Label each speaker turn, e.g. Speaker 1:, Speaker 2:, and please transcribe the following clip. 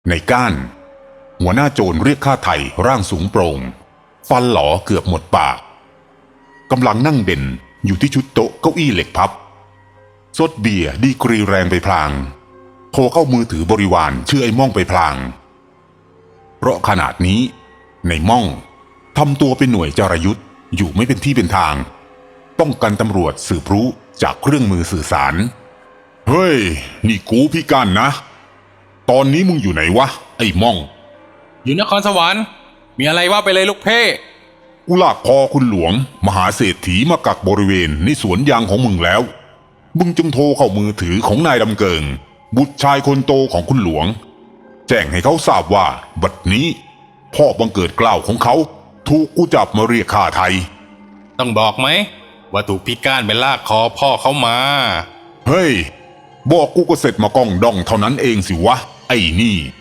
Speaker 1: ในก้านหัวหน้าโจรเรียกข้าไถ่ร่างสูงโปร่งฟันหลอเกือบหมดปากกำลังนั่งเด่นอยู่ที่ชุดโต๊ะเก้าอี้เหล็กพับซดเบียร์ดีกรีแรงไปพลางโทรเข้ามือถือบริวารชื่อไอ้ม่องไปพลางเพราะขนาดนี้ในม่องทำตัวเป็นหน่วยจารยุทธ์อยู่ไม่เป็นที่เป็นทางป้องกันตำรวจสืบรู้จากเครื่องมือสื่อสารเฮ้ยนี่กูพี่กันนะตอนนี้มึงอยู่ไหนวะไอ้ม่อง
Speaker 2: อยู่นครสวรรค์มีอะไรว่าไปเลยลูกเพ่
Speaker 1: กูลากคอคุณหลวงมหาเศรษฐีมากักบริเวณในสวนยางของมึงแล้วมึงจงโทรเข้ามือถือของนายดำเกิงบุตรชายคนโตของคุณหลวงแจ้งให้เขาทราบว่าบัดนี้พ่อบังเกิดเกล้าของเขาถูกกูจับมาเรียกค่าไทย
Speaker 2: ต้องบอกไหมว่าถูกพี่ก้านไปลากคอพ่อเขามา
Speaker 1: เฮ้ยบอกกูก็เสร็จมากล้องดองเท่านั้นเองสิวะไอ้นี่